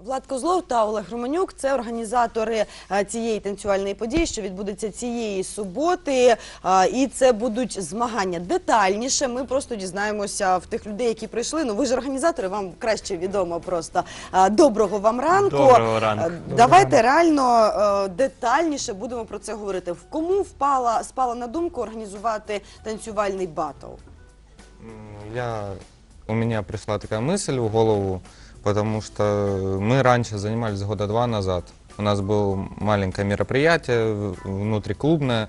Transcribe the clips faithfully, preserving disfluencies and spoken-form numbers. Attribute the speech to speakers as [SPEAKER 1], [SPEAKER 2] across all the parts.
[SPEAKER 1] Влад Козлов та Олег Романюк – це організатори цієї танцювальної події, що відбудеться цієї суботи. І це будуть змагання. Детальніше ми просто дізнаємося в тих людей, які прийшли. Ну, ви ж організатори, вам краще відомо просто. Доброго вам ранку.
[SPEAKER 2] Доброго ранку.
[SPEAKER 1] Давайте реально детальніше будемо про це говорити. Кому впала, спала на думку організувати танцювальний батл?
[SPEAKER 3] Я, у меня пришла такая мысль в голову, потому что мы раньше занимались года два назад. У нас было маленькое мероприятие внутриклубное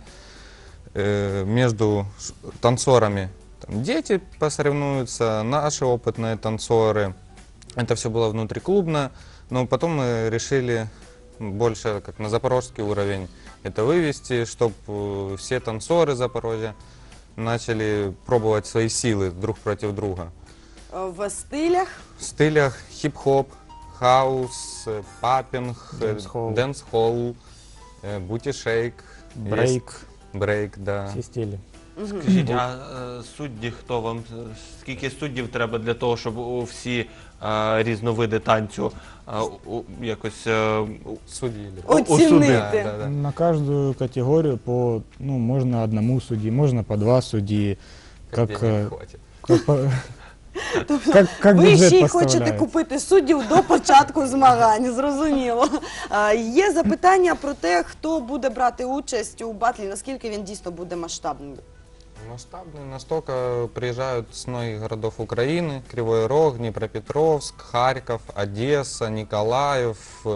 [SPEAKER 3] э, между танцорами. Там дети посоревнуются, наши опытные танцоры. Это все было внутриклубно, но потом мы решили больше как на запорожский уровень это вывести, чтобы все танцоры Запорожья начали пробовать свои силы друг против друга.
[SPEAKER 1] В стилях?
[SPEAKER 3] В стилях хип-хоп, хаус, паппинг,
[SPEAKER 4] Дэнс-холл.
[SPEAKER 3] дэнс-холл, бути-шейк,
[SPEAKER 4] Брейк,
[SPEAKER 3] брейк, да.
[SPEAKER 4] всі стилі.
[SPEAKER 2] Скажіть, а е, судді хто вам? Скільки суддів треба для того, щоб у всі е, різновиди танцю е, у- якось е, у-
[SPEAKER 3] Судили.
[SPEAKER 1] Оцінити.
[SPEAKER 3] Да, да, да.
[SPEAKER 4] На каждую категорию по, ну, можно одному судьи, можно по два судьи.
[SPEAKER 3] Как
[SPEAKER 4] Как,
[SPEAKER 3] денег
[SPEAKER 4] э,
[SPEAKER 3] хватит.
[SPEAKER 4] как, по- как, как
[SPEAKER 1] Ви
[SPEAKER 4] бюджет
[SPEAKER 1] ще й хочете
[SPEAKER 4] поставляется.
[SPEAKER 1] купити суддів до початку змагань, зрозуміло. А, Є запитання про те, хто буде брати участь у батлі, наскільки він дійсно буде масштабним.
[SPEAKER 3] Масштабные настолько приезжают с многих городов Украины: Кривой Рог, Днепропетровск, Харьков, Одесса, Николаев.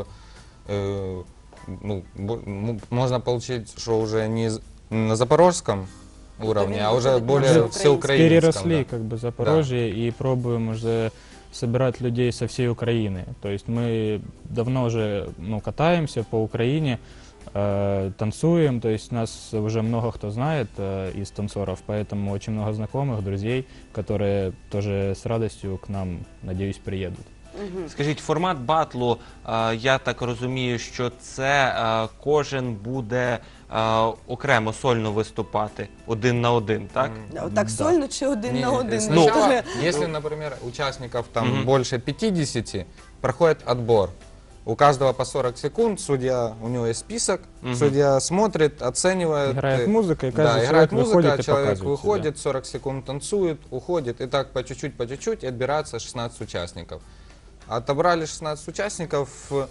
[SPEAKER 3] Э, ну, бо- м- можно получить, что уже не з- на запорожском уровне, а уже
[SPEAKER 1] выходит
[SPEAKER 3] более
[SPEAKER 1] на
[SPEAKER 3] всеукраинском.
[SPEAKER 4] Переросли
[SPEAKER 3] да.
[SPEAKER 4] как бы Запорожье и пробуем уже собирать людей со всей Украины. То есть мы давно уже, ну, катаемся по Украине, э, танцуем, то есть нас уже много кто знает э, из танцоров, поэтому очень много знакомых, друзей, которые тоже с радостью к нам, надеюсь, приедут.
[SPEAKER 2] Скажіть, формат батлу, е, я так розумію, що це е, кожен буде е, окремо сольно виступати один на один, так?
[SPEAKER 1] Так сольно чи один
[SPEAKER 3] Не,
[SPEAKER 1] на один?
[SPEAKER 3] Сначала,
[SPEAKER 1] Ну,
[SPEAKER 3] если, например, участников там
[SPEAKER 2] Мгм.
[SPEAKER 3] больше пятидесяти, проходит отбор. У каждого по сорок секунд, судья, у него есть список,
[SPEAKER 2] Мгм.
[SPEAKER 3] судья смотрит, оценивает.
[SPEAKER 4] Играет
[SPEAKER 3] э,
[SPEAKER 4] музыка, и каждый
[SPEAKER 3] Да,
[SPEAKER 4] человек
[SPEAKER 3] играет музыка,
[SPEAKER 4] выходит и
[SPEAKER 3] человек
[SPEAKER 4] показывает себя.
[SPEAKER 3] выходит, сорок секунд танцует, уходит, и так по чуть-чуть, по чуть-чуть, и отбирается шестнадцать участников. Отобрали шестнадцать участников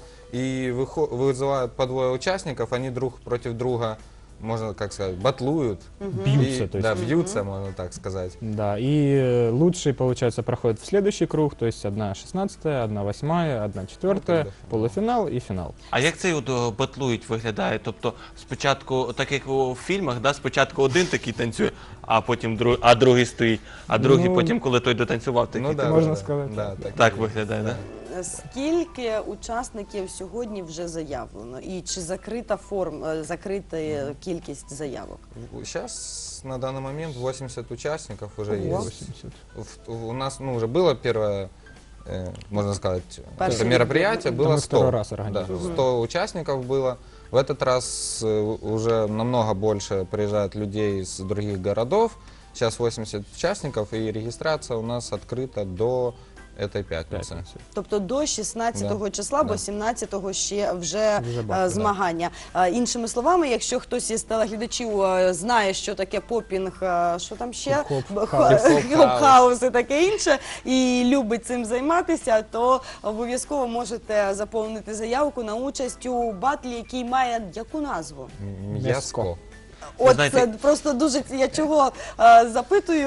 [SPEAKER 3] и выхо- вызывают по двое участников, они друг против друга, можно как сказать, батлуют.
[SPEAKER 4] Бьются,
[SPEAKER 3] И-
[SPEAKER 4] то есть.
[SPEAKER 3] Да, бьются, можно так сказать.
[SPEAKER 4] Да, и э, лучшие, получается, проходят в следующий круг, то есть одна шестнадцатая, одна восьмая, одна четвертая,
[SPEAKER 3] Ну, тогда
[SPEAKER 4] полуфинал и финал.
[SPEAKER 2] А як цей от е, батлують виглядає? Тобто спочатку, так як у фільмах, да, спочатку один такий танцює, а потім друг, а другий стоїть, а другий
[SPEAKER 4] Ну,
[SPEAKER 2] потім, коли той дотанцював, такий.
[SPEAKER 3] Ну да,
[SPEAKER 4] можно
[SPEAKER 3] да,
[SPEAKER 4] сказать.
[SPEAKER 3] Да, так,
[SPEAKER 2] Так
[SPEAKER 3] и
[SPEAKER 2] виглядає, да?
[SPEAKER 1] Скільки учасників сьогодні вже заявлено? І чи закрита форм, е, закрита е, кількість заявок?
[SPEAKER 3] Сейчас на данный момент восемьдесят участников уже
[SPEAKER 1] Ого.
[SPEAKER 3] есть.
[SPEAKER 4] восемьдесят.
[SPEAKER 3] В- У нас ну, уже было первое, э, можно сказать,
[SPEAKER 1] Первое
[SPEAKER 3] это мероприятие,
[SPEAKER 4] Это
[SPEAKER 3] было
[SPEAKER 4] мы
[SPEAKER 3] сто.
[SPEAKER 4] второй раз
[SPEAKER 3] Да,
[SPEAKER 4] организуем.
[SPEAKER 3] сто участников было. В этот раз э, уже намного больше приезжает людей из других городов. Сейчас восемьдесят участников, и регистрация у нас открыта до этой пятницы.
[SPEAKER 4] Пятница.
[SPEAKER 1] Тобто до шістнадцятого
[SPEAKER 3] Да,
[SPEAKER 1] числа, бо
[SPEAKER 3] да.
[SPEAKER 1] сімнадцятого ще вже,
[SPEAKER 4] Вже
[SPEAKER 1] е,
[SPEAKER 4] батл,
[SPEAKER 1] змагання. Е, Іншими словами, якщо хтось із телеглядачів е, знає, що таке попінг, е, що там ще?
[SPEAKER 4] Хіп-хоп,
[SPEAKER 1] Б-
[SPEAKER 4] хаус.
[SPEAKER 1] ха-
[SPEAKER 3] Хіп-хоп,
[SPEAKER 1] Хіп-хаус і таке інше, і любить цим займатися, то обов'язково можете заповнити заявку на участь у батлі, який має яку назву?
[SPEAKER 3] М,
[SPEAKER 4] Мяско.
[SPEAKER 3] Яско.
[SPEAKER 1] От
[SPEAKER 2] знаєте-
[SPEAKER 1] це просто дуже, я чого е, запитую,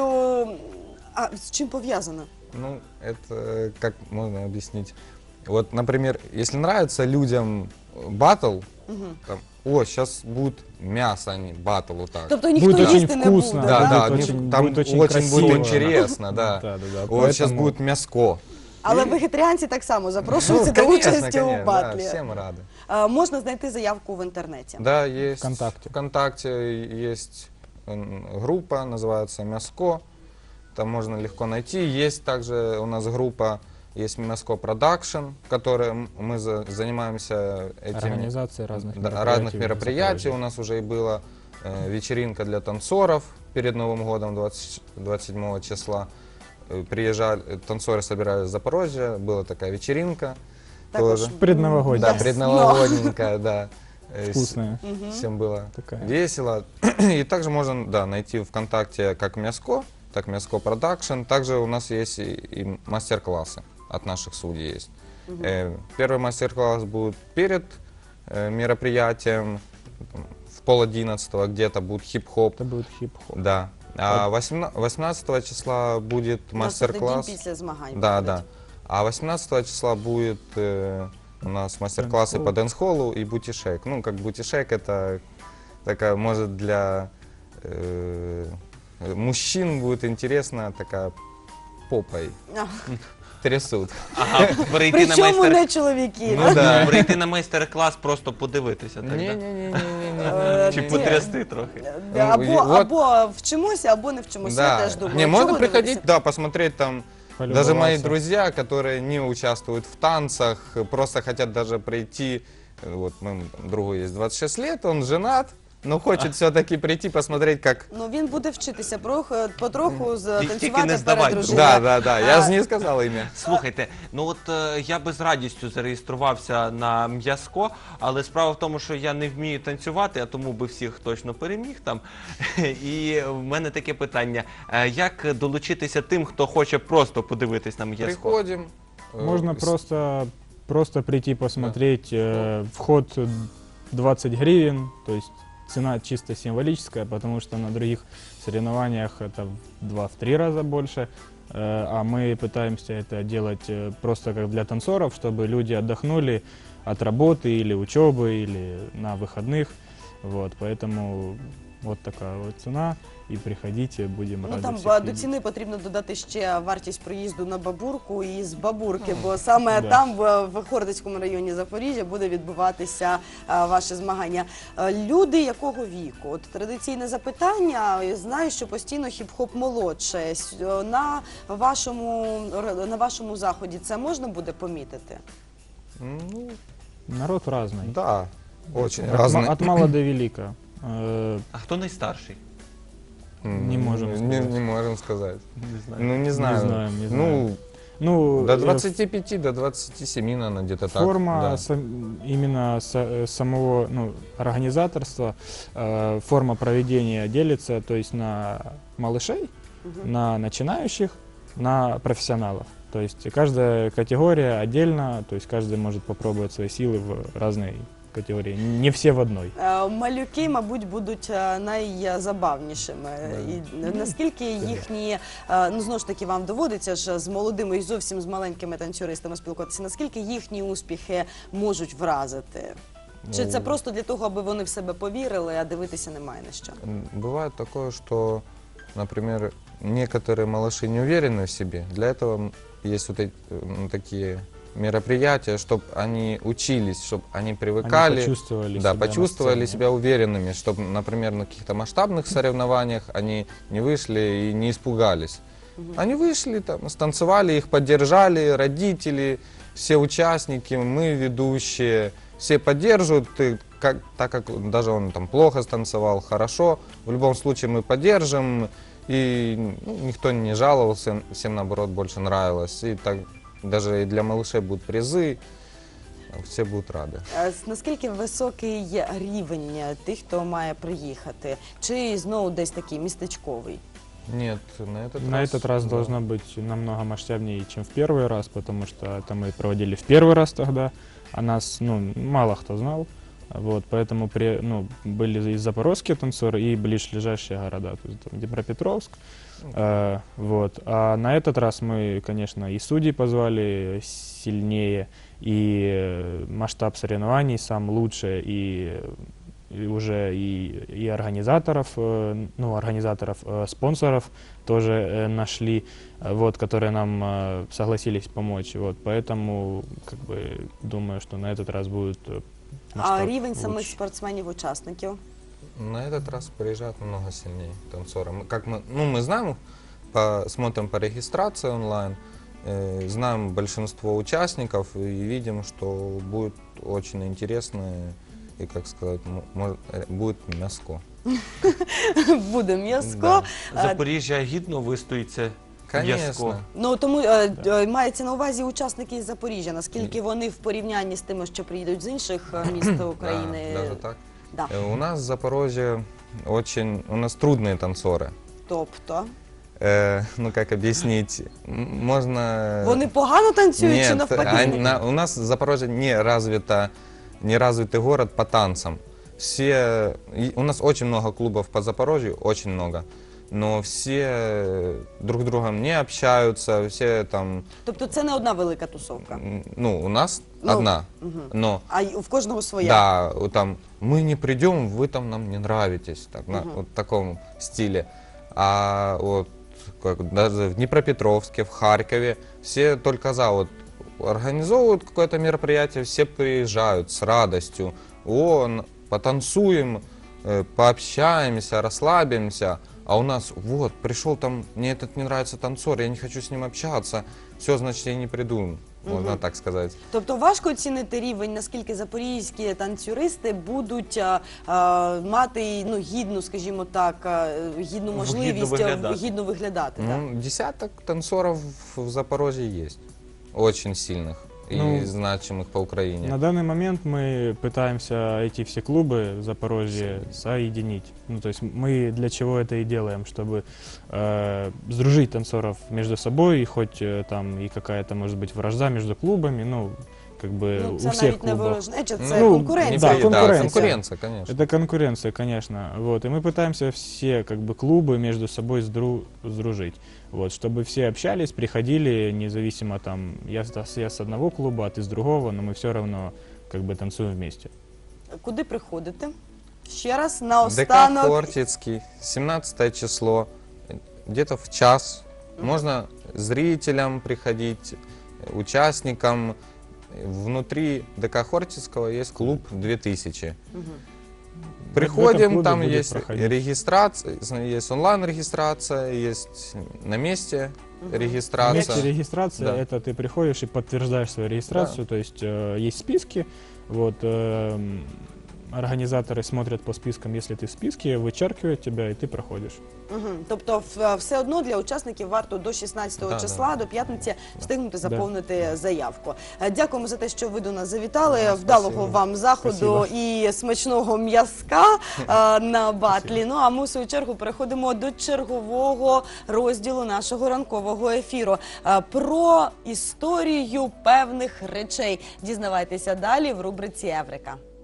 [SPEAKER 1] а з чим пов'язано?
[SPEAKER 3] Ну, это э, как можно объяснить? Вот, например, если нравится людям батл, там, о, сейчас будет мясо, а не батл, вот так.
[SPEAKER 1] Тобто ніхто
[SPEAKER 4] Будет очень
[SPEAKER 1] їсти не
[SPEAKER 4] вкусно,
[SPEAKER 1] буде,
[SPEAKER 3] Да,
[SPEAKER 1] да?
[SPEAKER 3] да,
[SPEAKER 4] будет
[SPEAKER 3] не-
[SPEAKER 4] очень-
[SPEAKER 3] там
[SPEAKER 4] будет очень
[SPEAKER 3] очень будет
[SPEAKER 4] красиво.
[SPEAKER 3] интересно, да.
[SPEAKER 4] Да, да, да.
[SPEAKER 3] Вот сейчас
[SPEAKER 4] Поэтому-
[SPEAKER 3] будет мяско.
[SPEAKER 1] Але
[SPEAKER 3] І-
[SPEAKER 1] вегетаріанці так само запрошуються до
[SPEAKER 3] Ну, конечно,
[SPEAKER 1] участі у
[SPEAKER 3] конечно,
[SPEAKER 1] батлі.
[SPEAKER 3] да, всем рады.
[SPEAKER 1] Е, Можна знайти заявку в інтернеті.
[SPEAKER 3] Да, есть
[SPEAKER 4] ВКонтакте.
[SPEAKER 3] ВКонтакте есть м, группа, называется «Мяско». Там можно легко найти. Есть также у нас группа, есть «Мяско Продакшн», в которой м- мы за- занимаемся этим.
[SPEAKER 4] Организация разных
[SPEAKER 3] Да,
[SPEAKER 4] мероприятий.
[SPEAKER 3] разных
[SPEAKER 4] в
[SPEAKER 3] мероприятий.
[SPEAKER 4] Запорожье.
[SPEAKER 3] У нас уже и была э, вечеринка для танцоров перед Новым годом двадцать двадцать седьмого числа. Э, Приезжали, э, танцоры собирались в Запорожье, была такая вечеринка.
[SPEAKER 1] також
[SPEAKER 3] Тоже.
[SPEAKER 4] Предновогодняя.
[SPEAKER 3] Да,
[SPEAKER 1] Yes.
[SPEAKER 3] предновогодненькая, да. Э, с-
[SPEAKER 4] Вкусная
[SPEAKER 3] Всем было
[SPEAKER 4] такая.
[SPEAKER 3] весело. И также можно, да, найти ВКонтакте как Мяско, так Мяско Продакшн. Также у нас есть и, и мастер-классы от наших судей есть. Э, Первый мастер-класс будет перед э, мероприятием, там, в пол одиннадцатого где-то будет хип-хоп.
[SPEAKER 4] Это будет хип-хоп.
[SPEAKER 3] Да. А восемна- восемнадцатого числа будет
[SPEAKER 1] У нас це день
[SPEAKER 3] мастер-класс.
[SPEAKER 1] після змагань.
[SPEAKER 3] Да,
[SPEAKER 1] виходить.
[SPEAKER 3] да. А восемнадцатого числа будет э, у нас мастер-классы по дэнс-холлу и бутишек. Ну, как бутишек, это такая, может, для э, мужчин будет интересно, такая попой
[SPEAKER 1] А,
[SPEAKER 3] трясут.
[SPEAKER 2] Ага, прийти на
[SPEAKER 1] Причому
[SPEAKER 2] майстер...
[SPEAKER 1] не чоловіки.
[SPEAKER 3] Ну да.
[SPEAKER 2] Прийти на майстер-клас, просто подивитися, так? да?
[SPEAKER 3] Не-не-не-не-не.
[SPEAKER 2] Чи
[SPEAKER 1] Ті-
[SPEAKER 2] потрясти трохи?
[SPEAKER 1] Е, Або,
[SPEAKER 3] Ну, от-
[SPEAKER 1] або вчимося, або не вчимося. Я
[SPEAKER 3] Да.
[SPEAKER 1] теж думаю.
[SPEAKER 3] Не, можно
[SPEAKER 1] чого
[SPEAKER 3] приходить,
[SPEAKER 1] дивитися?
[SPEAKER 3] да, посмотреть там. Даже мои
[SPEAKER 4] Полюбоваться.
[SPEAKER 3] друзья, которые не участвуют в танцах, просто хотят даже прийти. Вот моему там другу есть двадцать шесть лет, он женат, но хочет все-таки прийти посмотреть, как.
[SPEAKER 1] Ну він буде вчитися прох- потроху з-
[SPEAKER 2] Тільки
[SPEAKER 1] танцювати
[SPEAKER 2] не здавай
[SPEAKER 1] перед
[SPEAKER 2] друга.
[SPEAKER 1] дружиною.
[SPEAKER 3] Да, да, да. Я
[SPEAKER 1] А,
[SPEAKER 3] же не сказал имя.
[SPEAKER 2] Слухайте, ну от е, я би з радістю зареєструвався на м'язко, але справа в тому, що я не вмію танцювати, а тому би всіх точно переміг там. І в мене таке питання: е, як долучитися тим, хто хоче просто подивитись на м'язко?
[SPEAKER 3] Приходим. э,
[SPEAKER 4] Можно
[SPEAKER 3] с-
[SPEAKER 4] просто, просто прийти посмотреть. э, Вход двадцать гривен, то есть цена чисто символическая, потому что на других соревнованиях это в два-три раза больше. Э, А мы пытаемся это делать э, просто как для танцоров, чтобы люди отдохнули от работы или учебы, или на выходных. Вот, поэтому вот такая вот цена. И приходите, будем
[SPEAKER 1] Ну
[SPEAKER 4] рады
[SPEAKER 1] там
[SPEAKER 4] всех
[SPEAKER 1] а, до
[SPEAKER 4] видеть.
[SPEAKER 1] ціни потрібно додати ще вартість проїзду на Бабурку і з Бабурки, бо саме
[SPEAKER 4] Да.
[SPEAKER 1] там, в, в Хордицькому районі Запоріжжя, буде відбуватися а, ваше змагання. А, люди якого віку? От традиційне запитання. Я знаю, що постійно хіп-хоп молодше. С- На вашому на вашому заході це можна буде помітити?
[SPEAKER 3] Ну,
[SPEAKER 4] Народ разный.
[SPEAKER 3] да, очень
[SPEAKER 4] От, ма-
[SPEAKER 3] разные.
[SPEAKER 4] от мала до велика. Э,
[SPEAKER 2] А хто найстарший?
[SPEAKER 3] М,
[SPEAKER 4] не можем
[SPEAKER 3] Не,
[SPEAKER 4] сказать.
[SPEAKER 3] не можем сказать.
[SPEAKER 2] Не знаю.
[SPEAKER 3] Ну, не знаю.
[SPEAKER 4] знаем, не
[SPEAKER 3] Ну,
[SPEAKER 4] знаем. Ну,
[SPEAKER 3] до
[SPEAKER 4] э,
[SPEAKER 3] двадцати пяти, до двадцати семи, наверное, где-то так.
[SPEAKER 4] форма
[SPEAKER 3] да.
[SPEAKER 4] сам- именно са- э, самого ну, организаторства, э, форма проведения делится, то есть на малышей,
[SPEAKER 1] Мгм.
[SPEAKER 4] на начинающих, на профессионалов. То есть каждая категория отдельно, то есть каждый может попробовать свои силы в разной категории, не все в одной.
[SPEAKER 1] Е, Малюки, мабуть, будуть е, найзабавнішими. І наскільки їхні, е, ну знову ж таки, вам доводиться ж з молодими і зовсім з маленькими танцюристами спілкуватися, наскільки їхні успіхи можуть вразити? Чи це
[SPEAKER 3] Ну,
[SPEAKER 1] просто для того, аби вони в себе повірили, а дивитися немає на що?
[SPEAKER 3] М, Бывает такое, что, например, некоторые малыши не уверены в себе. Для этого м, есть вот эти, ну, такие мероприятия, чтобы они учились, чтобы они привыкали.
[SPEAKER 4] Они почувствовали
[SPEAKER 3] Да,
[SPEAKER 4] себя на
[SPEAKER 3] почувствовали
[SPEAKER 4] сцене.
[SPEAKER 3] себя уверенными, чтобы, например, на каких-то масштабных соревнованиях они не вышли и не испугались. Они вышли, там, станцевали, их поддержали, родители, все участники, мы, ведущие, все поддерживают, и как, так как даже он там плохо станцевал, хорошо, в любом случае мы поддержим, и ну, никто не жаловался, всем наоборот больше нравилось, и так даже и для малышей будут призы, все будут рады.
[SPEAKER 1] Е, с- Наскільки високий є рівень е, тих, хто має приїхати? Чи знову десь такий містечковий?
[SPEAKER 3] Нет, на этот
[SPEAKER 4] На
[SPEAKER 3] раз...
[SPEAKER 4] этот раз
[SPEAKER 3] да.
[SPEAKER 4] должно быть намного масштабнее, чем в первый раз, потому что это мы проводили в первый раз тогда, а нас ну, мало кто знал. Вот, поэтому при, ну, были и запорожские танцоры, и ближайшие города, то есть там Днепропетровск. Э, вот. А на этот раз мы, конечно, и судей позвали сильнее, и э, масштаб соревнований сам лучше, и, и уже и, и организаторов, э, ну, организаторов, э, спонсоров тоже э, нашли, э, вот, которые нам э, согласились помочь. Вот, поэтому, как бы, думаю, что на этот раз будет э,
[SPEAKER 1] А
[SPEAKER 4] масштаб
[SPEAKER 1] рівень самих
[SPEAKER 4] лучше.
[SPEAKER 1] спортсменів-учасників?
[SPEAKER 3] На этот раз приезжают намного сильнее танцоры. Мы, как мы, ну, мы знаем, по, смотрим по регистрации онлайн, э, знаем большинство участников и видим, что будет очень интересно и, как сказать, мо- мо- э, будет мяско.
[SPEAKER 1] Буде м'язко.
[SPEAKER 3] Да.
[SPEAKER 1] А,
[SPEAKER 2] Запоріжжя гідно вистоїться
[SPEAKER 3] Конечно.
[SPEAKER 1] Ну тому е, е, мається на увазі учасники із Запоріжжя. Наскільки вони в порівнянні з тими, що приїдуть з інших е, міст України?
[SPEAKER 3] Да, даже так.
[SPEAKER 1] Да.
[SPEAKER 3] Э, У нас в Запорожье очень, у нас трудные танцоры.
[SPEAKER 1] Тобто
[SPEAKER 3] Э, ну, как объяснить? М, Можно...
[SPEAKER 1] вони погано танцюють чи
[SPEAKER 3] Нет,
[SPEAKER 1] навпаки?
[SPEAKER 3] они- на- у нас Запорожье не развито, не развитый город по танцам. Все, и у нас очень много клубов по Запорожью, очень много. Но все друг с другом не общаются, все там,
[SPEAKER 1] Тобто це не одна велика тусовка,
[SPEAKER 3] м, ну, у нас
[SPEAKER 1] Ну,
[SPEAKER 3] одна, но
[SPEAKER 1] а й в кожного своя.
[SPEAKER 3] да, вот там мы не придем, вы там нам не нравитесь, так, на, вот в таком стиле. А вот как, даже в Днепропетровске, в Харькове все только за, вот организовывают какое-то мероприятие, все приезжают с радостью, о, н- потанцуем, э, пообщаемся, расслабимся. А у нас, вот, пришел там, мне этот не нравится танцор, я не хочу с ним общаться, все, значит, я не приду, можно так сказать.
[SPEAKER 1] Тобто важко оцінити рівень, наскільки запорізькі танцюристи будуть а, а, мати ну, гідну, скажімо так, а, гідну можливість а,
[SPEAKER 2] виглядати.
[SPEAKER 1] гідно виглядати. так?
[SPEAKER 3] Ну, десяток танцоров в Запорожье есть, очень сильных и
[SPEAKER 4] Ну,
[SPEAKER 3] значимых по Украине.
[SPEAKER 4] На данный момент мы пытаемся эти все клубы в Запорожье соединить. Ну, то есть мы для чего это и делаем, чтобы э, сдружить танцоров между собой, и хоть э, там и какая-то может быть вражда между клубами, ну, как бы
[SPEAKER 1] Ну,
[SPEAKER 4] у
[SPEAKER 1] це
[SPEAKER 4] всех
[SPEAKER 1] навіть не
[SPEAKER 4] клубов.
[SPEAKER 1] ворожнеча, це
[SPEAKER 4] Ну,
[SPEAKER 1] конкуренція.
[SPEAKER 4] да,
[SPEAKER 3] Да,
[SPEAKER 4] конкуренция.
[SPEAKER 3] конкуренция, конечно.
[SPEAKER 4] Это конкуренция, конечно. Вот. И мы пытаемся все как бы клубы между собой сдру- сдружить. Вот, чтобы все общались, приходили, независимо там, я, с- я с одного клуба, а ты с другого, но мы все равно как бы танцуем вместе.
[SPEAKER 1] Куди приходите? Ще раз,
[SPEAKER 3] ДК
[SPEAKER 1] наостанок.
[SPEAKER 3] Хортицкий, семнадцатое число, где-то в час. Можно зрителям приходить, участникам. Внутри ДК Хортицкого есть клуб две тысячи.
[SPEAKER 4] В этом
[SPEAKER 3] Приходим,
[SPEAKER 4] клубе
[SPEAKER 3] там
[SPEAKER 4] будет
[SPEAKER 3] есть
[SPEAKER 4] проходить.
[SPEAKER 3] регистрация, есть онлайн-регистрация, есть на месте регистрация.
[SPEAKER 4] Вместе регистрация,
[SPEAKER 3] Да.
[SPEAKER 4] это ты приходишь и подтверждаешь свою регистрацию, то есть э, есть списки, вот, эм, организаторы смотрят по спискам, если ты в списке, вычеркивают тебя, и ты проходишь.
[SPEAKER 1] Мгм. Тобто в- все одно для учасників варто до шістнадцятого
[SPEAKER 3] Да,
[SPEAKER 1] числа, до п'ятниці, встигнути заповнити заявку. Е, Дякуємо за те, що ви до нас завітали. Вдалого
[SPEAKER 3] спасибо.
[SPEAKER 1] вам заходу
[SPEAKER 4] Спасибо.
[SPEAKER 1] і смачного м'язка е, на батлі. Ну а ми в свою чергу переходимо до чергового розділу нашого ранкового ефіру. Е, Про історію певних речей. Дізнавайтеся далі в рубриці Еврика.